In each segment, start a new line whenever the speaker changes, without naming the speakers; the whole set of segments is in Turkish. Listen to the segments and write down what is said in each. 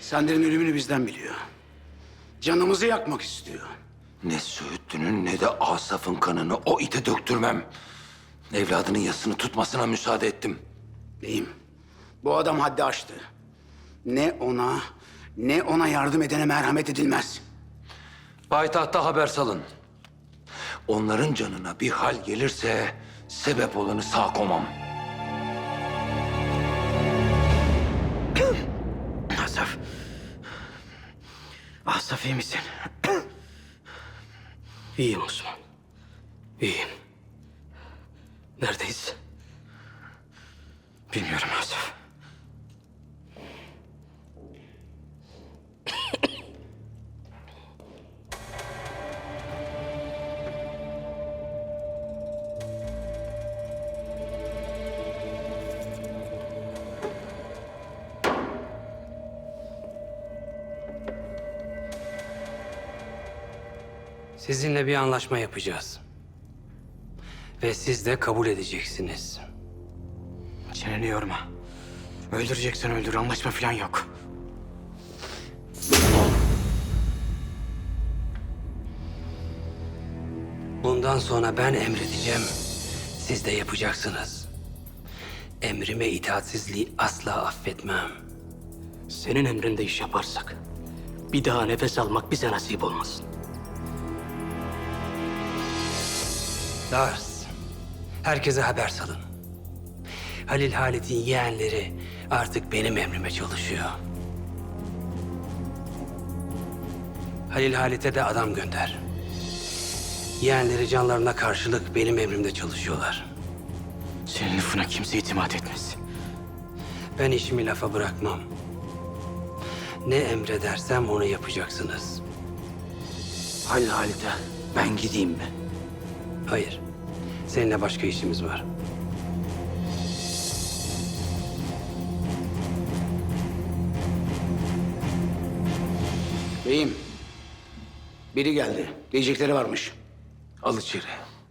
Sender'in ölümünü bizden biliyor. Canımızı yakmak istiyor.
Ne Söğütlü'nün ne de Asaf'ın kanını o ite döktürmem. Evladının yasını tutmasına müsaade ettim.
Beyim, bu adam haddi aştı. Ne ona yardım edene merhamet edilmez.
Payitahta haber salın. Onların canına bir hal gelirse sebep olanı sağ komam.
Asaf. Asaf iyi misin?
İyiyim Osman. İyiyim. Neredeyiz?
Bilmiyorum Asaf.
Sizinle bir anlaşma yapacağız. Ve siz de kabul edeceksiniz.
Çeneni yorma. Öldüreceksen öldür, anlaşma falan yok.
Bundan sonra ben emredeceğim. Siz de yapacaksınız. Emrime itaatsizliği asla affetmem. Senin emrinde iş yaparsak bir daha nefes almak bize nasip olmasın. Lars, herkese haber salın. Halil Halit'in yeğenleri artık benim emrime çalışıyor. Halil Halit'e de adam gönder. Yeğenleri canlarına karşılık benim emrimde çalışıyorlar.
Senin lafına kimse itimat etmez.
Ben işimi lafa bırakmam. Ne emredersem onu yapacaksınız.
Halil Halit'e ben gideyim mi?
Hayır, seninle başka işimiz var.
Beyim, biri geldi. Diyecekleri varmış.
Al içeri.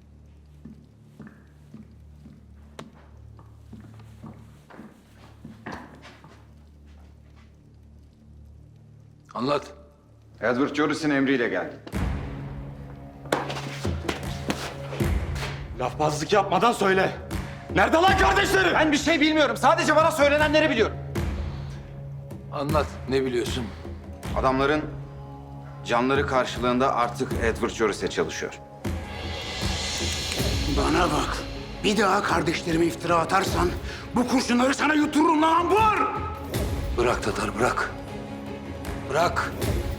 Anlat.
Edward Joris'in emriyle geldi.
Lafbazlık yapmadan söyle. Nerede lan kardeşlerim?
Ben bir şey bilmiyorum. Sadece bana söylenenleri biliyorum.
Anlat. Ne biliyorsun?
Adamların canları karşılığında artık Edward Joris'e çalışıyor.
Bana bak. Bir daha kardeşlerime iftira atarsan bu kurşunları sana yutururum lan ambur!
Bırak Tatar, bırak. Bırak.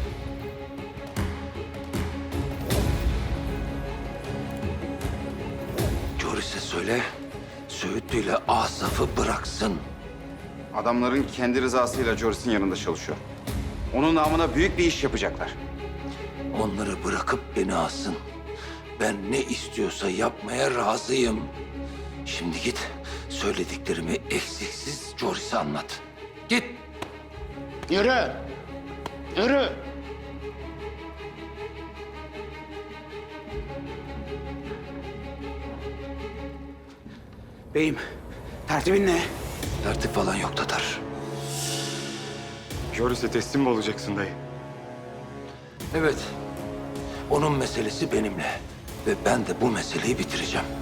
Joris'e söyle, Söğütlü ile Asaf'ı bıraksın.
Adamların kendi rızasıyla Joris'in yanında çalışıyor. Onun namına büyük bir iş yapacaklar.
Onları bırakıp beni alsın. Ben ne istiyorsa yapmaya razıyım. Şimdi git, söylediklerimi eksiksiz Joris'e anlat. Git.
Yürü! Yürü! Beyim, tertibin ne?
Tertip falan yok Tatar.
Joris'e teslim mi olacaksın dayı?
Evet, onun meselesi benimle. Ve ben de bu meseleyi bitireceğim.